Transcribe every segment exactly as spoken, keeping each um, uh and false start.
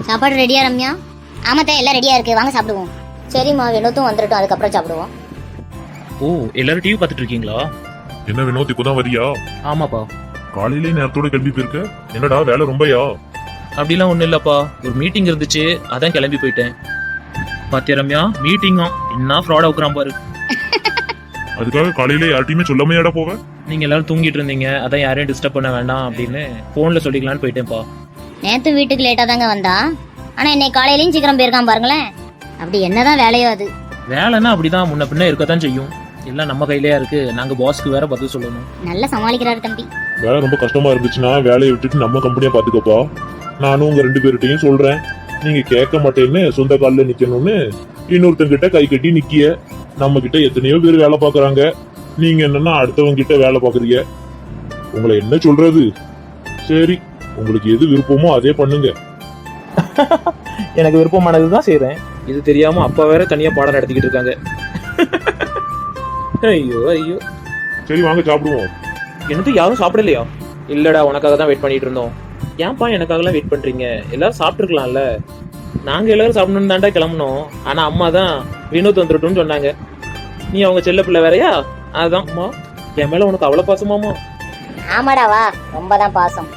சாப்பாடு ரெடியா ரம்யா? ஆமாத்தா, எல்லாம் ரெடியா இருக்கு, வாங்க சாப்பிடுவோம். சரிம்மா, வினோத்தும் வந்துட்டோம், அதுக்கப்புறம் சாப்பிடுவோம். ஓ, எல்லாரும் டிவி பார்த்துட்டு இருக்கீங்களா? என்ன வினோத், இப்பதான் வரியா? ஆமாப்பா. காலையிலே நேரத்தோட கிளம்பி போயிருக்க, என்னடா வேலை ரொம்பயா? அப்படிலாம் ஒண்ணும் இல்லப்பா, ஒரு மீட்டிங் இருந்துச்சு, அதான் கிளம்பி போயிட்டேன். பாத்தியா ரம்யா, மீட்டிங்கா என்ன ஃப்ராட் ஆகுறான் பாரு. அதுக்காக காலையில யார்ட்டையுமே சொல்லாமையாடா போவ? நீங்க எல்லாரும் தூங்கிட்டு இருந்தீங்க, அதான் யாரையும் டிஸ்டர்ப் பண்ண வேண்டாம் அப்படின்னு போன்ல சொல்லிக்கலான்னு போயிட்டேன்ப்பா. நேத்து வீட்டுக்கு லேட்டா தாங்க வந்தா, ஆனா இன்னைக்கு காலையிலயும் சீக்கிரம் போயிருக்கான் பாருங்களேன். அப்படி என்னதான் வேலையோ அது. வேலைன்னா அப்படிதான் முன்ன பின்ன இருக்கத்தான் செய்யும். எல்லாம் நம்ம கையிலயா இருக்கு, நாங்க பாஸ்க்கு வேற பதில் சொல்லணும். நல்லா சமாளிக்கிறாரு தம்பி. வேலை ரொம்ப கஷ்டமா இருந்துச்சுன்னா வேலையை விட்டுட்டு நம்ம கம்பெனியா பாத்துக்கப்பா. நானும் உங்க ரெண்டு பேர்கிட்டையும் சொல்றேன், நீங்க கேட்க மாட்டேன்னு சொந்த காலில் நிக்கணும்னு இன்னொருத்தங்கிட்ட கை கட்டி நிக்கிய. நம்ம கிட்ட எத்தனையோ பேர் வேலை பாக்குறாங்க, நீங்க என்னன்னா அடுத்தவங்க கிட்ட வேலை பாக்குறீங்க. உங்களை என்ன சொல்றது? சரி, உங்களுக்கு எது விருப்பமோ அதே பண்ணுங்க. எனக்கு விருப்பமானதுதான் செய்யறேன். இது தெரியாம அப்பா வேற தனியா பாடம் நடத்திக்கிட்டு இருக்காங்க. ஐயோ ஐயோ. சரி வாங்க சாப்பிடுவோம். எனக்கு யாரும் சாப்பிடலையா? இல்லடா, உனக்காக தான் வெயிட் பண்ணிட்டு இருந்தோம். ஏன்பா எனக்காகலாம் வெயிட் பண்றீங்க? எல்லாரும் சாப்பிட்டுருக்கலாம்ல. நாங்க எல்லாரும் சாப்பிடணும்னு தாண்டா கிளம்பணும். ஆனா அம்மா தான் வினோத் வந்துட்டோம்னு சொன்னாங்க. நீ அவங்க செல்ல பிள்ளை வேறையா? அதான் அம்மா, என் மேல உனக்கு அவ்வளவு பாசமாமா? ஆமாடாவா, ரொம்பதான் பாசம்.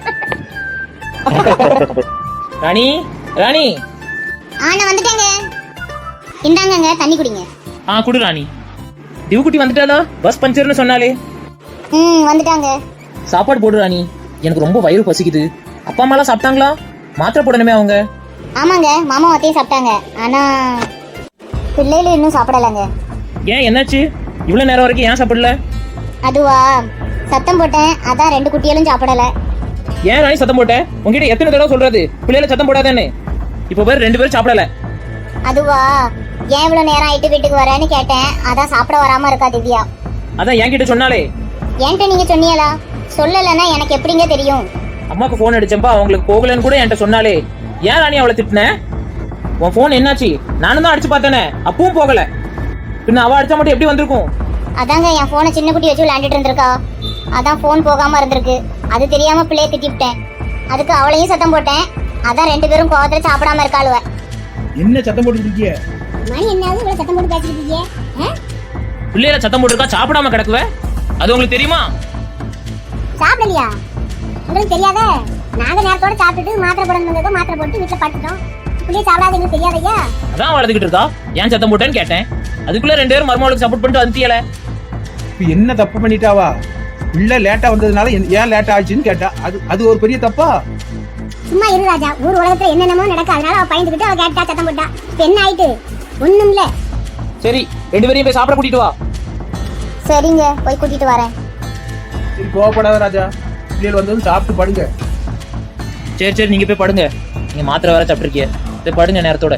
ராணி, ராணி. ஆனா வந்துட்டேங்க. இந்தாங்கங்க தண்ணி குடிங்க. ஆ குடு ராணி. டிவுக்குட்டி வந்துட்டாளா? பஸ் பஞ்சர்னு சொன்னாலே. ம், வந்துட்டாங்க. சாப்பாடு போடு ராணி, எனக்கு ரொம்ப வயிறு பசிக்குது. அப்பா அம்மாலாம் சாப்பிட்டாங்களா? மாத்திரை போடணுமே அவங்க. ஆமாங்க, மாமா அத்தையும் சாப்பிட்டாங்க. ஆனா பிள்ளைகளும் இன்னும் சாப்பிடலங்க. ஏன், என்னாச்சு? இவ்வளவு நேரம் வரைக்கும் ஏன் சாப்பிடல? அதுவா, சத்தம் போட்டேன், அதான் ரெண்டு குட்டிகளும் சாப்பிடல. ஏன் ராணி சத்தம் போட்ட? உங்ககிட்ட எத்தனை தடவை சொல்றது பிள்ளைகளை சத்தம் போடாதேன்னு? இப்போ பேர் ரெண்டு பேரும் சாப்பிடல. அதுவா, ஏன் இவ்வளவு நேரம் ஆயிட்டு வீட்டுக்கு வரேன்னு கேட்டேன், அதான் சாப்பிட வராம இருக்கா திவ்யா. அதான் என்கிட்ட சொன்னாலே. என்கிட்ட நீங்க சொன்னீங்களா? சொல்லலைன்னா எனக்கு எப்படிங்க தெரியும்? அம்மாக்கு போன் அடிச்சப்பா அவங்களுக்கு போகலன்னு கூட என்கிட்ட சொன்னாலே. ஏன் ராணி அவளை திட்டின? உன் போன் என்னாச்சு? நானும் தான் அடிச்சு பார்த்தேனே, அப்பவும் போகல. பின்ன அவ அடிச்சா மட்டும் எப்படி வந்திருக்கும்? அதாங்க என் போனை சின்ன குட்டி வச்சு விளையாண்டுட்டு இருந்திருக்கா, அதான் போன் போகாம இருந்திருக்கு. அது தெரியாம பிள்ளைய திட்டிவிட்டேன், அதுக்கு அவளையும் சத்தம் போட்டேன். அதான் ரெண்டு பேரும் கோவத்துல சாப்பிடாம இருக்காளுவ. என்ன சத்தம் போட்டு இருக்கீங்க? மணி என்னாவது இவ்வளவு சத்தம் போட்டு பேசிட்டு இருக்கீங்க? பிள்ளையில சத்தம் போட்டுருக்கா, சாப்பிடாம கிடக்குவ. அது உங்களுக்கு தெரியுமா? சாப்பிடலையா? உங்களுக்கு தெரியாத? நாங்க நேரத்தோட சாப்பிட்டுட்டு மாத்திரை போடணும் வந்ததோ மாத்திரை போட்டு வீட்டுல படுத்துட்டோம். பிள்ளைய சாப்பிடாத எங்களுக்கு தெரியாதையா? அதான் வளர்த்துக்கிட்டு இருக்கா. ஏன் சத்தம் போட்டேன்னு கேட்டேன். அதுக்குள்ள ரெண்டு பேரும் மருமகளுக்கு சப்போர்ட் பண்ணிட்டு வந்துட்டியல. இப்ப என்ன தப்பு பண்ணிட்டாவா? பிள்ளை லேட்டா வந்ததுனால ஏன் லேட்டா ஆச்சுன்னு கேட்டா, அது அது ஒரு பெரிய தப்பா? சும்மா இரு ராஜா, ஊர் உலகத்துல என்னென்னமோ நடக்க, அதனால அவ பயந்துகிட்டு அவ கேட்டா சத்தம் போட்டா. இப்ப என்ன ஆயிட்டு? ஒண்ணும் இல்ல. சரி, ரெண்டு பேரையும் போய் சாப்பிட கூட்டிட்டு வா. சரிங்க, போய் கூட்டிட்டு வரேன். சரி, கோவப்படாத ராஜா, பிள்ளைகள் வந்ததும் சாப்பிட்டு படுங்க. சரி சரி, நீங்க போய் படுங்க. நீங்க மாத்திரை வேற சாப்பிட்டுருக்கீங்க, போய் படுங்க நேரத்தோட.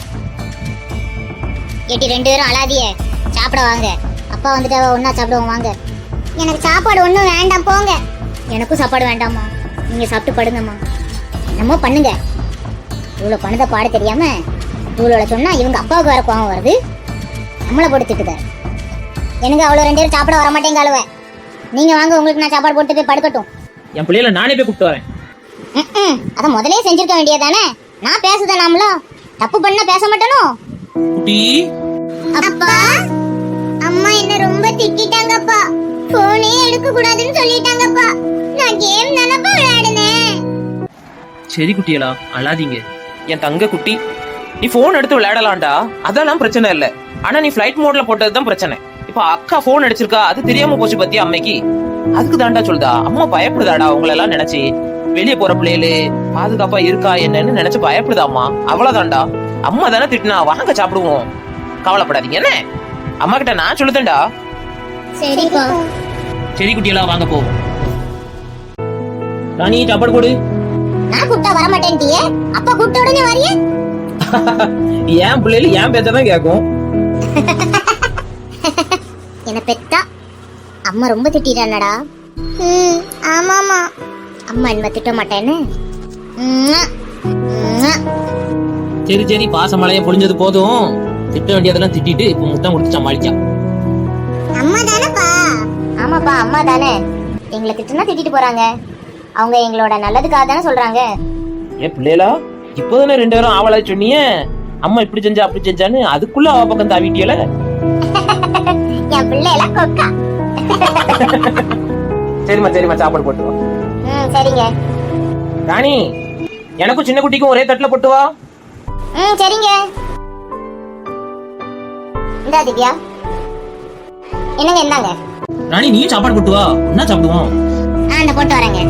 ஏட்டி ரெண்டு பேரும் அழாதியே, சாப்பிட வாங்க. அப்பா வந்துட்டு ஒன்னா சாப்பிடுவோம் வாங்க. எனக்கு சாப்பாடு ஒன்றும் வேண்டாம், போங்க. எனக்கும் சாப்பாடு வேண்டாமா, நீங்க சாப்பிட்டு படுங்கம்மா. என்னமோ பண்ணுங்க. இவ்வளோ பணத்தை பாட தெரியாம இவ்வளோ சொன்னா இவங்க அப்பாவுக்கு வேற கோவம் வருது, நம்மளை போட்டு திட்டுதாரு. எனக்கு அவ்வளோ ரெண்டு பேரும் சாப்பிட வர மாட்டேங்க அழுவ. நீங்க வாங்க, உங்களுக்கு நான் சாப்பாடு போட்டு போய் படுக்கட்டும். என் பிள்ளைகளை நானே போய் கூப்பிட்டு வரேன். ம், அதை முதலே செஞ்சிருக்க வேண்டியதானே. நான் பேசுதேன், நாமளோ தப்பு பண்ண பேச மாட்டேனோ? குட்டி, அப்பா, அம்மா என்ன ரொம்ப திட்டிட்டாங்கப்பா. போனே எடுக்க கூடாதுன்னு சொல்லிட்டாங்கப்பா. நான் கேம் தானப்பா விளையாடுனேன். சரி குட்டியலா, அழாதீங்க. என் தங்க குட்டி, நீ போன் எடுத்து விளையாடலாம்டா, அதெல்லாம் பிரச்சனை இல்ல. ஆனா நீ ஃபிளைட் மோட்ல போட்டதுதான் பிரச்சனை. இப்ப அக்கா போன் அடிச்சிருக்கா, அது தெரியாம போச்சு பத்தியா அம்மைக்கு. அதுக்கு தாண்டா சொல்லுதா, அம்மா பயப்படுதாடா உங்களை எல்லாம் நினைச்சு. வெளியே போற பிள்ளைகளு பாதுகாப்பா இருக்கா என்னன்னு நினைச்சு பயப்படுதா அம்மா. அவ்வளவுதான்டா. அம்மா தானே திட்டினா, வாங்க சாப்பிடுவோம், கவலைப்படாதீங்க என்ன. அம்மா கிட்ட நான் சொல்லுதேன்டா. சரிப்பா. சரி குட்டியெல்லாம் வாங்க போ. ராணி, சாப்பாடு போடு. நான் கூப்பிட்டா வர மாட்டேன்ட்டியே, அப்பா கூப்பிட்ட உடனே வரியே. ஏன் பிள்ளைல ஏன் பேச்சதான் கேட்கும். என்ன பெத்தா அம்மா ரொம்ப திட்டிட்டானடா. ம், ஆமாமா. அம்மா என்ன திட்ட மாட்டேன்னு. சரி சரி, பாசமலைய பொழிஞ்சது போதும். திட்ட வேண்டியதெல்லாம் திட்டிட்டு இப்ப முத்தம் கொடுத்து சமாளிச்சா. அம்மா தானேப்பா? ஆமாப்பா, அம்மா தானே. எங்களை திட்டுனா திட்டிட்டு போறாங்க, அவங்க எங்களோட நல்லதுக்காக தானே சொல்றாங்க. ஏ பிள்ளைகளா, இப்போதானே ரெண்டு பேரும் ஆவலா சொன்னீங்க அம்மா இப்படி செஞ்சா அப்படி செஞ்சான்னு, அதுக்குள்ள அவ பக்கம் தாவிட்டியல. என் பிள்ளை எல்லாம் கொக்கா. சரிம்மா சரிம்மா சாப்பாடு போட்டு வா. ம் சரிங்க. ராணி, எனக்கும் சின்ன குட்டிக்கும் ஒரே தட்டுல போட்டு வா. ம் சரிங்க. இந்தா திவ்யா. என்னங்க இந்தாங்க. ராணி நீயும் சாப்பாடு போட்டு வா, என்ன சாப்பிடுவோம்? ஆ இந்த போட்டு வரேங்க.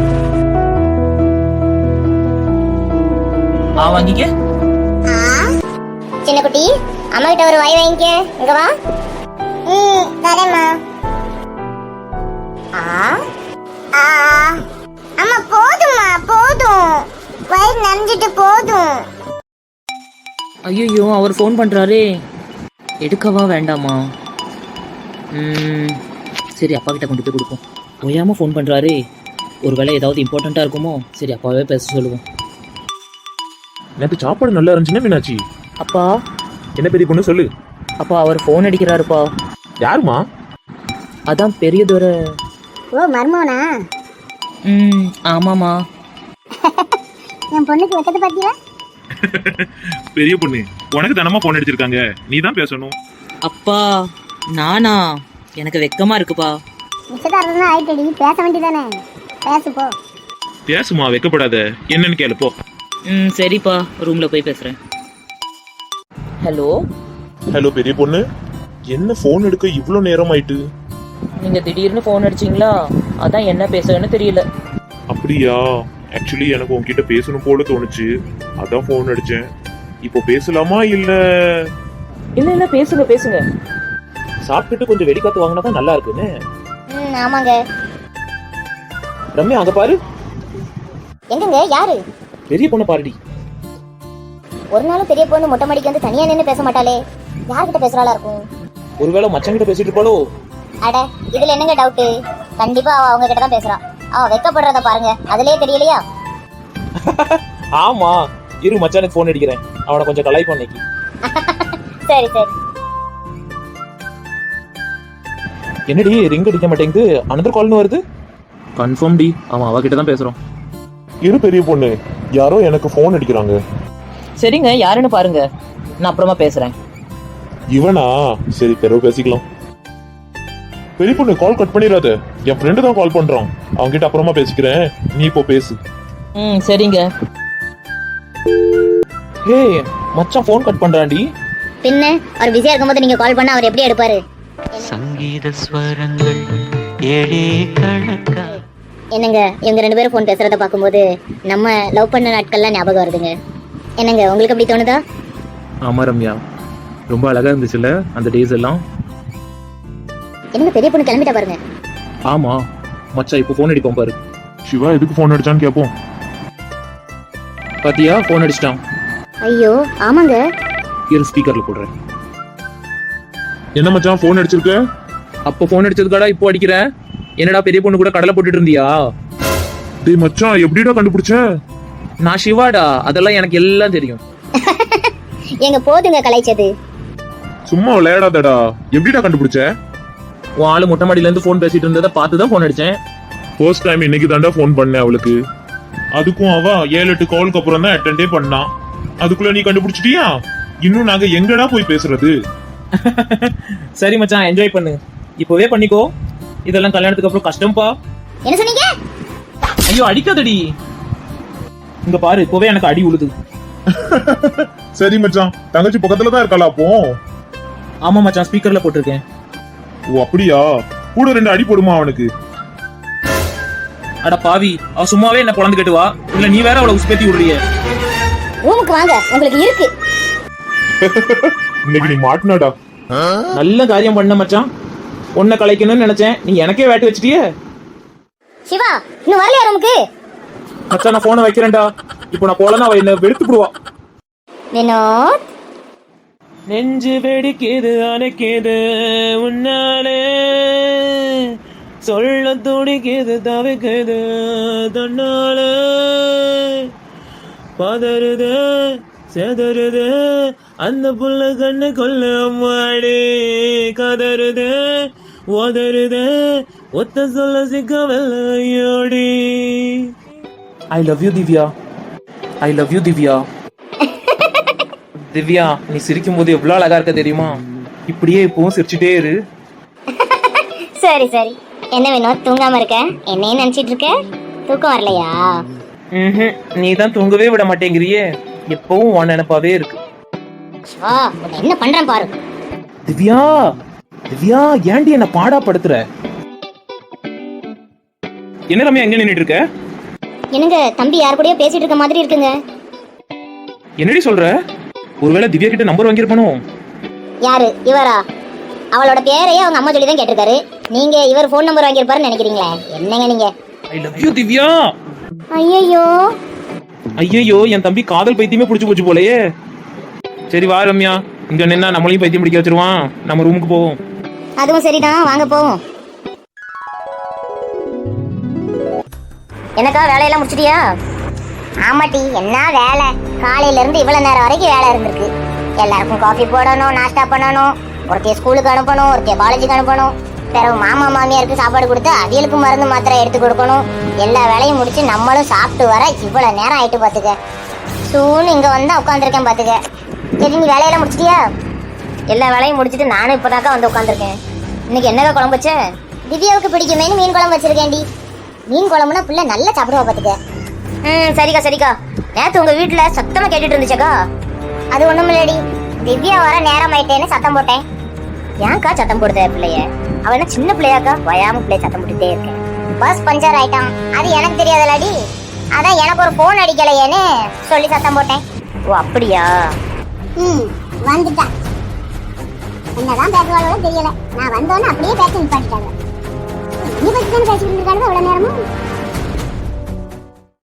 ஆ வாங்கிக்க. ஆ சின்ன குட்டி, அம்மா கிட்ட ஒரு வாய் வாங்கிக்க. இங்க வா. ம் தரேம்மா. ஆ ஆ அம்மா போதும்மா போதும். வயிறு நனைஞ்சிட்டு போதும். ஐயோ அவர் ஃபோன் பண்ணுறாரே, எடுக்கவா வேண்டாமா? ம், சரி அப்பா கிட்ட கொண்டு போய் கொடுப்போம். ஓயாமல் ஃபோன் பண்ணுறாரே, ஒரு வேளை ஏதாவது இம்பார்ட்டண்ட்டாக இருக்குமோ? சரி அப்பாவே பேச சொல்லுவோம். நேற்று சாப்பாடு நல்லா இருந்துச்சுன்னா மீனாட்சி. அப்பா என்ன பெரிய பொண்ணு சொல்லு. அப்பா அவர் ஃபோன் அடிக்கிறாருப்பா. யாருமா? அதான் பெரியதொரு. ஓ மர்மோனா? ம் ஆமாம்மா. என் பொண்ணுக்கு வெட்டது பாத்தீங்களா? பெரிய பொண்ணு, உனக்கு தானமா போன் அடிச்சிருக்காங்க, நீ தான் பேசணும். அப்பா நானா? எனக்கு வெக்கமா இருக்குப்பா. நிச்சயதார்த்தம் தான் ஆயிட்டடி, பேச வேண்டியதானே. பேசு போ. பேசுமா, வெக்கப்படாத. என்னன்னு கேளு போ. ம் சரிப்பா, ரூமில் போய் பேசுகிறேன். ஹலோ ஹலோ பெரிய பொண்ணு, என்ன போன் எடுக்க இவ்வளோ நேரம் ஆயிட்டு? நீங்கள் திடீர்னு ஃபோன் அடிச்சிங்களா, அதான் என்ன பேசுறேன்னு தெரியல. அப்படியா? ஆக்சுவலி எனக்கு உன்கிட்ட பேசணும் போல தோணுச்சு, அதான் போன் அடிச்சேன். இப்போ பேசலாமா இல்ல? இல்லை இல்லை பேசுங்க பேசுங்க. சாப்பிட்டுட்டு கொஞ்சம் வெடிக்காத்து வாங்கினா தான் நல்லா இருக்குன்னு. ம் ஆமாங்க. ரம்யா அங்க பாரு. எங்கங்க யாரு? பெரிய பொண்ணு பாருடி. ஒரு நாளும் பெரிய பொண்ணு மொட்டை மாடிக்கு வந்து தனியா நின்று பேச மாட்டாளே, யார்கிட்ட பேசுறாளா இருக்கும்? ஒருவேளை மச்சங்கிட்ட பேசிட்டு இருப்பாளோ? அட இதுல என்னங்க டவுட்? கண்டிப்பா அவ அவங்க கிட்ட தான் பேசுறா. அவ வெக்கப்படுறத பாருங்க, அதுலயே தெரியலையா? ஆமா, இரு மச்சானுக்கு போன் அடிக்கிறேன், அவனை கொஞ்சம் கலாய்ப்போம் இன்னைக்கு. சரி சரி. என்னடி ரிங் அடிக்க மாட்டேங்குது, அனதர் கால்னு வருது. கன்ஃபார்ம் டி, அவன் அவகிட்ட தான் பேசுறான். இரு பெரிய பொண்ணு, யாரோ எனக்கு போன் அடிக்கிறாங்க. சரிங்க யாருன்னு பாருங்க, நான் அப்புறமா பேசுகிறேன். இவனா? சரி பிறகு பேசிக்கலாம். பெரிய பொண்ணு கால் கட் பண்ணிடாத, என் ஃப்ரெண்டு தான் கால் பண்றான், அவன்கிட்ட அப்புறமா பேசிக்கிறேன், நீ இப்போ பேசு. ம் சரிங்க. ஹே மச்சான் போன் கட் பண்றான்டி. பின்ன அவர் பிஸியா இருக்கும்போது நீங்க கால் பண்ணா அவர் எப்படி எடுப்பாரு? சங்கீத ஸ்வரங்கள் ஏழே கணக்கா. என்னங்க இவங்க ரெண்டு பேரும் ஃபோன் பேசுறத பார்க்கும்போது நம்ம லவ் பண்ண நாட்கள்லாம் ஞாபகம் வருதுங்க. என்னங்க உங்களுக்கு அப்படி தோணுதா? ஆமா ரம்யா, ரொம்ப அழகா இருந்துச்சுல்ல அந்த டேஸ் எல்லாம். என்னங்க பெரிய பொண்ணு கிளம்பிட்டா பாருங்க. ஆமா மச்சான் இப்போ ஃபோன் அடிப்போம் பாரு. சிவா எதுக்கு போன் அடிச்சான்னு கேட்போம். பாத்தியா ஃபோன் அடிச்சிட்டான். ஐயோ ஆமாங்க. இரு ஸ்பீக்கர்ல போடுறேன். என்ன மச்சான் போன் அடிச்சிருக்க? அப்போ ஃபோன் அடிச்சதுக்காடா இப்போ அடிக்கிறேன். என்னடா பெரிய பொண்ணு கூட கடலை போட்டுட்டு இருந்தியா? டேய் மச்சான், எப்படிடா கண்டுபிடிச்ச? நான் சிவாடா, அதெல்லாம் எனக்கு எல்லாம் தெரியும். எங்க போதுங்க கலாய்ச்சது. சும்மா விளையாடாதடா, எப்படிடா கண்டுபிடிச்ச? உன் ஆளு மொட்டை மாடியில இருந்து ஃபோன் பேசிட்டு இருந்ததை பார்த்து தான் ஃபோன் அடிச்சேன். ஃபர்ஸ்ட் டைம் இன்னைக்கு தாண்டா ஃபோன் பண்ணேன் அவளுக்கு. அதுக்கும் அவ ஏழு எட்டு காலுக்கு அப்புறம் தான் அட்டெண்டே பண்ணான். அதுக்குள்ள நீ கண்டுபிடிச்சிட்டியா? இன்னும் நாங்க எங்கடா போய் பேசுறது? சரி மச்சான் என்ஜாய் பண்ணு, இப்போவே பண்ணிக்கோ, இதெல்லாம் கல்யாணத்துக்கு அப்புறம் கஷ்டம்பா. என்ன சொன்னீங்க? ஐயோ அடிக்காதடி. இங்க பாரு இப்போவே எனக்கு அடி உழுது. சரி மச்சான், தங்கச்சி பக்கத்துல தான் இருக்காளா அப்போ? ஆமா மச்சான், ஸ்பீக்கர்ல போட்டிருக்கேன். ஓ அப்படியா? கூட ரெண்டு அடி போடுமா அவனுக்கு? அட பாவி, அவ சும்மாவே என்ன குழந்தை கேட்டு வா, இல்ல நீ வேற அவளை உசுப்பேத்தி விடுறிய. ரூமுக்கு வாங்க, உங்களுக்கு இருக்கு. இன்னைக்கு நீ மாட்டினாடா. நல்ல காரியம் பண்ண மச்சான், உன்னை கலைக்கணும்னு நினைச்சேன், நீ எனக்கே வேட்டு வச்சிட்டியே. சிவா இன்னும் வரலையா ரூமுக்கு? மச்சான் நான் போனை வைக்கிறேன்டா, இப்போ நான் போலன்னா அவ என்ன வெடுத்துடுவா. வினோத் நெஞ்சு வெடிக்குது அணைக்குது உன்னாலே, சொல்ல துடிக்குது தவிக்குது தன்னால, பதறுது செதறுது அந்த புள்ள கண்ணு கொல்ல அம்மாடி, கதறுது ஓதறுது ஒத்த சொல்ல சிக்கவல்லையோடி. I love you Divya, I love you Divya. Divya நீ சிரிக்கும் போது எவ்வளவு அழகா இருக்க தெரியுமா? இப்படியே இப்பவும் சிரிச்சுட்டே இரு. சரி சரி. என்ன வேணும், தூங்காம இருக்க? என்னையும் நினைச்சிட்டு இருக்க? தூக்கம் வரலையா? ம்ஹும். நீ தான் தூங்கவே விட மாட்டேங்கிறியே, எப்பவும் உன் நினைப்பாவே இருக்கு. வா, உன்னை என்ன பண்றேன் பாரு. திவ்யா திவ்யா ஏன்டி என்ன பாடா படுத்துற? என்ன ரம்யா எங்க நின்னுட்டு இருக்க? என்னங்க தம்பி யார் கூடயோ பேசிட்டு இருக்க மாதிரி இருக்குங்க. என்னடி சொல்ற? ஒருவேளை திவ்யா கிட்ட நம்பர் வாங்கியிருப்பானோ? யாரு இவரா? அவளோட பேரையே அவங்க அம்மா சொல்லி தான் கேட்டிருக்காரு. நீங்க இவர் ஃபோன் நம்பர் வாங்கியிருப்பாருன்னு நினைக்கிறீங்களே? என்னங்க நீங்க? I love you Divya. ஐயோ ஐயோ என் தம்பி காதல் பைத்தியமே புடிச்சு போச்சு போலயே. சரி வா ரம்யா, இங்க நின்னா நம்மளையும் பைத்தியம் பிடிக்க வச்சிருவான். நம்ம ரூமுக்கு போவோம். அதுவும் சரிதான், வாங்க போவோம். எனக்கா வேலையெல்லாம் முடிச்சிட்டியா? ஆமாட்டி, என்ன வேலை? காலையில இருந்து இவ்வளவு நேரம் வரைக்கும் வேலை இருந்திருக்கு. எல்லாருக்கும் காஃபி போடணும், நாஸ்டா பண்ணணும், ஒருத்தைய ஸ்கூலுக்கு அனுப்பணும், ஒருத்தைய காலேஜுக்கு அனுப்பணும், பிறகு மாமா மாமியாருக்கு சாப்பாடு கொடுத்து அவியலுக்கு மருந்து மாத்திரை எடுத்து கொடுக்கணும். எல்லா வேலையும் முடிச்சு நம்மளும் சாப்பிட்டு வர இவ்வளவு நேரம் ஆயிட்டு பாத்துக்க. சூன்னு இங்க வந்து உட்காந்துருக்கேன் பாத்துக்க. சரி, நீ வேலையெல்லாம் முடிச்சிட்டியா? எல்லா வேலையும் முடிச்சிட்டு நானும் இப்பதாக்கா வந்து உட்காந்துருக்கேன். இன்னைக்கு என்னக்கா குழம்பு வச்ச? திவ்யாவுக்கு பிடிக்குமேனு மீன் குழம்பு வச்சிருக்கேன்டி. மீன் குழம்புனா பிள்ளை நல்லா சாப்பிடுவா பாத்துக்க. ம் சரிக்கா சரிக்கா. நேத்து உங்க வீட்டுல சத்தமா கேட்டுட்டு இருந்துச்சக்கா. அது ஒண்ணும் இல்லடி, திவ்யா வர நேரம் ஆயிட்டேன்னு சத்தம் போட்டேன். ஏன்க்கா சத்தம் போடுத பிள்ளைய? அவ என்ன சின்ன பிள்ளையாக்கா? வயாம பிள்ளைய சத்தம் போட்டுட்டே இருக்கேன். பஸ் பஞ்சர் ஆயிட்டான், அது எனக்கு தெரியாதலடி. அதான் எனக்கு ஒரு போன் அடிக்கலையேன்னு சொல்லி சத்தம் போட்டேன். ஓ அப்படியா? ம் வந்துட்டா. என்னதான் பேசுவாளோ தெரியல. நான் வந்தோன்னு அப்படியே பேச நிப்பாட்டிட்டாங்க. நீ பத்தி தானே பேசிட்டு இருக்காங்க அவ்வளவு நேரமும்.